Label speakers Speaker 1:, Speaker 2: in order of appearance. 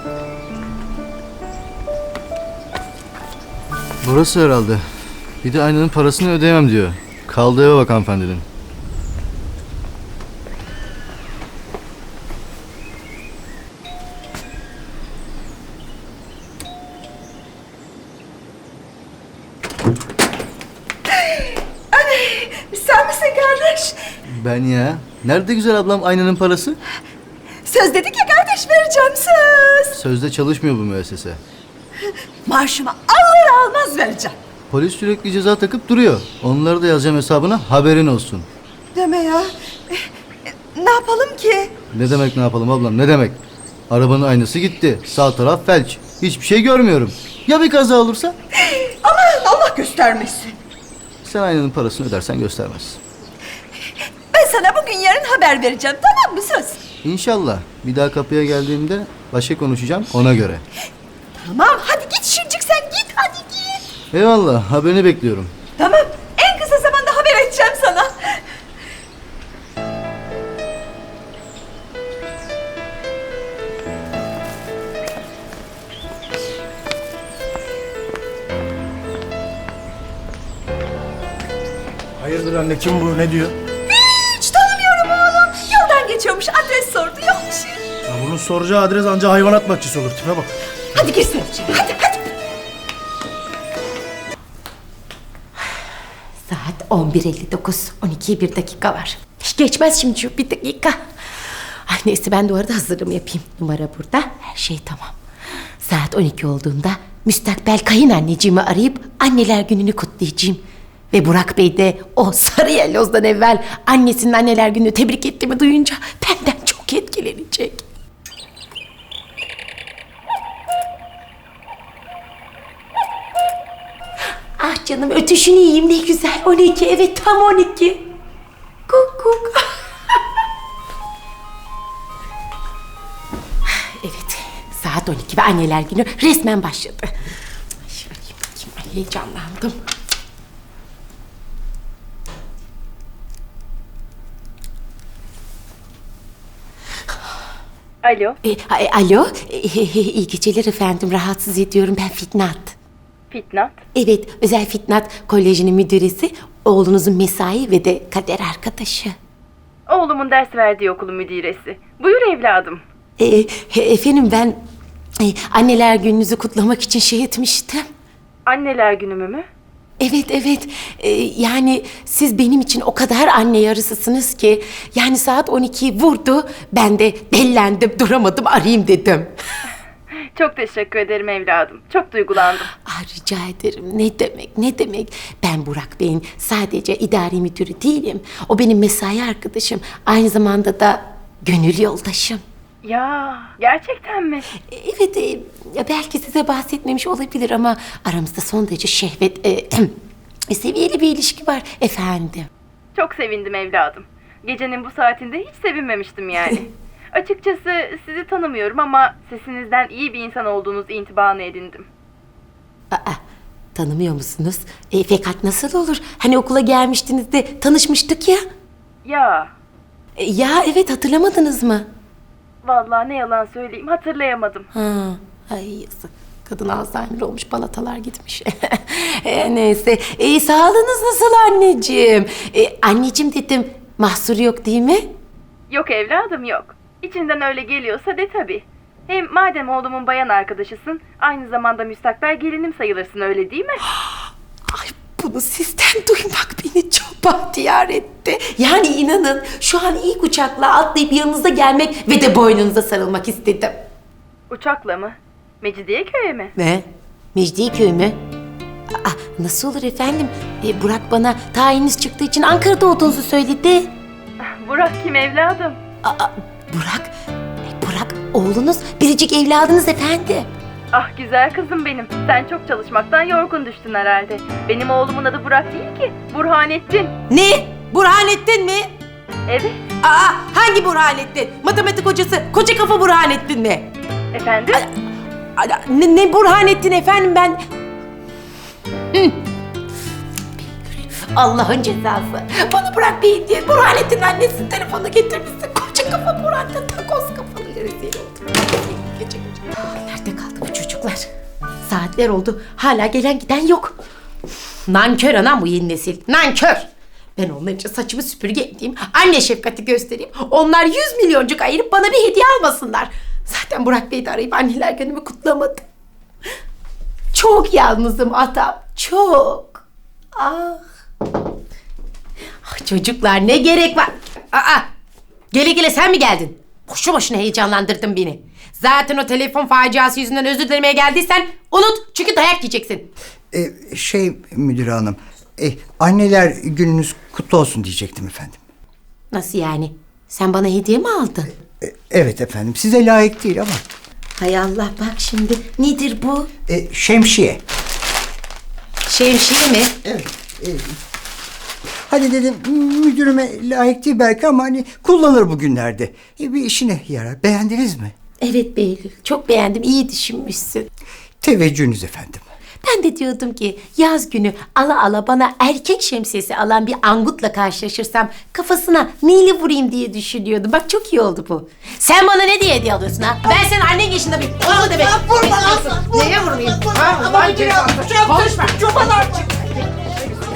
Speaker 1: Burası herhalde. Bir de aynanın parasını ödeyemem diyor. Kaldığı eve bak hanımefendinin.
Speaker 2: Sen misin kardeş?
Speaker 1: Ben ya. Nerede güzel ablam aynanın parası?
Speaker 2: Söz dedik ya kardeş, vereceğim söz.
Speaker 1: Sözde çalışmıyor bu müessese.
Speaker 2: Maaşımı alır almaz vereceğim.
Speaker 1: Polis sürekli ceza takıp duruyor. Onları da yazacağım hesabına, haberin olsun.
Speaker 2: Deme ya. Ne yapalım ki?
Speaker 1: Ne demek ne yapalım ablam, ne demek? Arabanın aynası gitti. Sağ taraf felç. Hiçbir şey görmüyorum. Ya bir kaza olursa?
Speaker 2: Aman Allah göstermesin.
Speaker 1: Sen aynanın parasını ödersen göstermez.
Speaker 2: Ben sana bugün yarın haber vereceğim, tamam mı söz?
Speaker 1: İnşallah. Bir daha kapıya geldiğimde başka konuşacağım ona göre.
Speaker 2: Tamam hadi git Şincik, sen git hadi git.
Speaker 1: Eyvallah, haberini bekliyorum.
Speaker 2: Tamam, en kısa zamanda haber edeceğim sana.
Speaker 3: Hayırdır anne, kim bu, ne diyor?
Speaker 2: Hiç tanımıyorum oğlum. Yoldan geçiyormuş, adres sordu, yok bir şey.
Speaker 3: Ya bunun soracağı adres anca hayvanat bahçesi olur, tipe bak.
Speaker 2: Hadi gir sen içeri, hadi.
Speaker 4: Saat 11:59. 12'ye 1 dakika var. Hiç geçmez şimdi şu 1 dakika. Ay neyse ben de o arada hazırlığımı yapayım. Numara burada. Her şey tamam. Saat 12 olduğunda müstakbel kayınanneciğimi arayıp anneler gününü kutlayacağım. Ve Burak Bey de o sarı yellozdan evvel annesinin anneler gününü tebrik ettiğimi duyunca benden çok etkilenecek. Ah canım ötüşünü yiyeyim ne güzel. 12 evet tam 12. Kuk kuk. Evet saat 12 ve anneler günü resmen başladı. Ay, şöyle bakayım ay, heyecanlandım.
Speaker 5: Alo,
Speaker 4: Alo iyi geceler efendim rahatsız ediyorum ben Fitnat.
Speaker 5: Fitnat.
Speaker 4: Evet özel Fitnat Koleji'nin müdüresi oğlunuzun mesai ve de kader arkadaşı.
Speaker 5: Oğlumun ders verdiği okulun müdiresi. Buyur evladım.
Speaker 4: Efendim ben anneler gününüzü kutlamak için şey etmiştim.
Speaker 5: Anneler günümü mü?
Speaker 4: Evet yani siz benim için o kadar anne yarısısınız ki yani saat 12'yi vurdu ben de dellendim duramadım arayayım dedim.
Speaker 5: Çok teşekkür ederim evladım. Çok duygulandım.
Speaker 4: Rica ederim ne demek ben Burak Bey'in sadece idari müdürü değilim o benim mesai arkadaşım aynı zamanda da gönül yoldaşım.
Speaker 5: Ya, gerçekten mi?
Speaker 4: Evet ya belki size bahsetmemiş olabilir ama aramızda son derece şehvet seviyeli bir ilişki var efendim.
Speaker 5: Çok sevindim evladım. Gecenin bu saatinde hiç sevinmemiştim yani. Açıkçası sizi tanımıyorum ama sesinizden iyi bir insan olduğunuz intibanı edindim.
Speaker 4: Tanımıyor musunuz? Fakat nasıl olur? Hani okula gelmiştiniz de tanışmıştık ya.
Speaker 5: Ya,
Speaker 4: Ya evet hatırlamadınız mı?
Speaker 5: vallahi ne yalan söyleyeyim hatırlayamadım.
Speaker 4: Ay yazık. Kadın Alzheimer olmuş, balatalar gitmiş. Neyse. Sağlığınız nasıl anneciğim? Anneciğim dedim, mahsur yok değil mi?
Speaker 5: Yok evladım yok. İçinden öyle geliyorsa de tabii. Hem madem oğlumun bayan arkadaşısın, aynı zamanda müstakbel gelinim sayılırsın öyle değil mi?
Speaker 4: Ay bunu sizden duymak beni çok bahtiyar etti. Yani inanın şu an ilk uçakla atlayıp yanınıza gelmek ve de boynunuza sarılmak istedim.
Speaker 5: Uçakla mı? Mecidiyeköy'e mi?
Speaker 4: Ne? Mecidiyeköy mü? Nasıl olur efendim? Burak bana tayiniz çıktığı için Ankara'da olduğunuzu söyledi.
Speaker 5: Burak kim evladım?
Speaker 4: Burak, Burak oğlunuz, biricik evladınız efendim.
Speaker 5: Ah güzel kızım benim. Sen çok çalışmaktan yorgun düştün herhalde. Benim oğlumun adı Burak değil ki. Burhanettin.
Speaker 4: Ne? Burhanettin mi?
Speaker 5: Evet.
Speaker 4: Hangi Burhanettin? Matematik hocası, koca kafa Burhanettin mi?
Speaker 5: Efendim?
Speaker 4: Ne Burhanettin efendim ben... Allah'ın cezası. Bana Burak Bey diye Burhanettin'in annesinin telefonu getirmişsin. Koca kafa Burhanettin, takoz kafalı rezil oldum. Gece gece. Nerede kaldı bu çocuklar? Saatler oldu. Hala gelen giden yok. Nankör anam bu yeni nesil. Nankör. Ben onlar için saçımı süpürge edeyim. Anne şefkati göstereyim. Onlar 100 milyoncuk ayırıp bana bir hediye almasınlar. Zaten Burak Bey de arayıp anneler günümü kutlamadı. Çok yalnızım atam. Çok. Ah. Ah çocuklar ne gerek var? Aa. Gele gele sen mi geldin? Boşu boşuna heyecanlandırdın beni. Zaten o telefon faciası yüzünden özür dilemeye geldiysen unut çünkü dayak yiyeceksin.
Speaker 6: Müdür hanım, anneler gününüz kutlu olsun diyecektim efendim.
Speaker 4: Nasıl yani? Sen bana hediye mi aldın?
Speaker 6: Evet efendim, size layık değil ama.
Speaker 4: Hay Allah bak şimdi nedir bu?
Speaker 6: Şemsiye.
Speaker 4: Şemsiye mi?
Speaker 6: Evet. Hadi dedim müdürüme layık değil belki ama hani kullanır bugünlerde. Bir işine yarar. Beğendiniz mi?
Speaker 4: Evet Behlül çok beğendim iyi düşünmüşsün.
Speaker 6: Teveccühünüz efendim.
Speaker 4: Ben de diyordum ki yaz günü ala ala bana erkek şemsiyesi alan bir angutla karşılaşırsam kafasına neyle vurayım diye düşünüyordum. Bak çok iyi oldu bu. Sen bana ne diye hediye alıyorsun ha? Ben senin annen yaşında bir... Onu mu demek? Neye vurmayayım? Ha, konuşma.